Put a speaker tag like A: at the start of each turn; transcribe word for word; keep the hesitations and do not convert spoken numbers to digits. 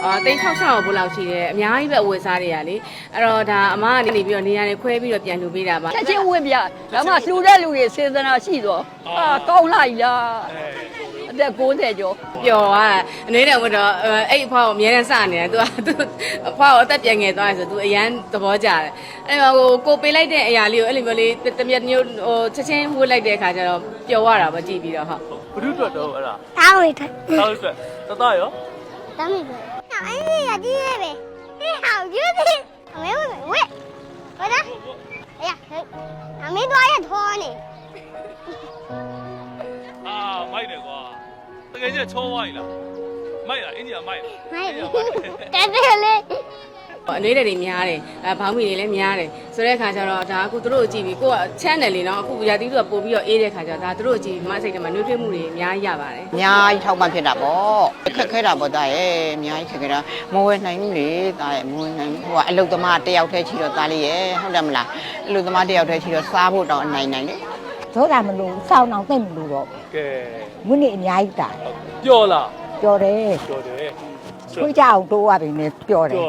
A: တိတ်၆၆ဘိုးလောက်ရှိတယ်အများကြီးပဲအဝယ်စားတွေကလေအဲ့တော့ဒါအမကနေနေပြီးတော့နေရာတွေခွဲပြီးတော့ပြန်လှူပေးတာပါ
B: ချက်ချင်းဝင်ပြဒါမှလှူတဲ့လူတွေစေတနာရှိတော့အာကောင်းလိုက်လားအသက်၉၀ကျော်
A: ပျော်သွားတာအနေနဲ့ဝင်တော့အဲ့အဖွားကိုအများနဲ့စနေတယ်သူကသူအဖွားကိုအသက်ပြန်ငယ်သွားတယ်ဆိုသူအရန်သဘောကျတယ်အဲ့တော့ဟိုကိုပေးလိုက်တဲ့အရာလေးကိုအဲ့လိုမျိုးလေးတမျက်မျိုးဟိုချက်ချင်းဝှက်လိုက်တဲ့အခါကျတော့ပျော်သွားတာပေါ့ကြည့်ပြီးတော့ဟုတ်
C: ဘုဒ္ဓအတွက်တော့အဲ့ဒါ
D: တောင်းရထား
C: တောက်အတွက်တတရော
D: တောင်းရထားအဲ့ဒီရကြီးရဲ့ပဲဒီဟောက်ယူသည်အမေဝဲဝဲဟောတာအေးအမေတော့ရထောနေ
C: အာမိုက်တယ်ကွာတကယ်ကြီးချောသွားပြီလားမိုက်လားအင်းကြီးကမိုက်လား
D: မိုက်တက်တယ်လေ
A: အလေးတွေများတယ်အဲဘောင်းမီတွေလည်းများတယ်ဆိုတဲ့အခါကျတော့ဒါအခုသူတို့ကိုကြည့်ပြီးကိုက channel လေးနော်အခုရာသီတို့ကပို့ပြီးတော့အေးတဲ့အခါကျတော့ဒါသူတို့ကိုကြည့်ပြီးမစိတ်ထဲမှာနှွေးထွေးမှုတွေအများကြီးရပါတယ်
E: အများကြီးထောက်ပံ့ဖြစ်တာပေါ့ခက်ခဲတာပေါ့တာရဲ့အများကြီးခက်ခဲတာမဝယ်နိုင်ဘူးလေတာရဲ့မဝယ်နိုင်ဘူးဟိုကအလုတ်သမားတယောက်တည်းချီတော့တာလေးရဲ့ဟုတ်တယ်မလားအလုတ်သမားတယောက်တည်းချီတော့စားဖို့တော့အနိုင်နိုင်လေ
F: သောတာမလို့စောင်းအောင်သိမ့်မလို့တော့
C: ကဲ
F: ဝင်းနေအများကြီးတာ
C: ပျော်လား
F: ပြောတယ်
C: ပျော်တယ်
F: ခွေးကြအောင်တိုးရပြီနဲ့ပြောတယ်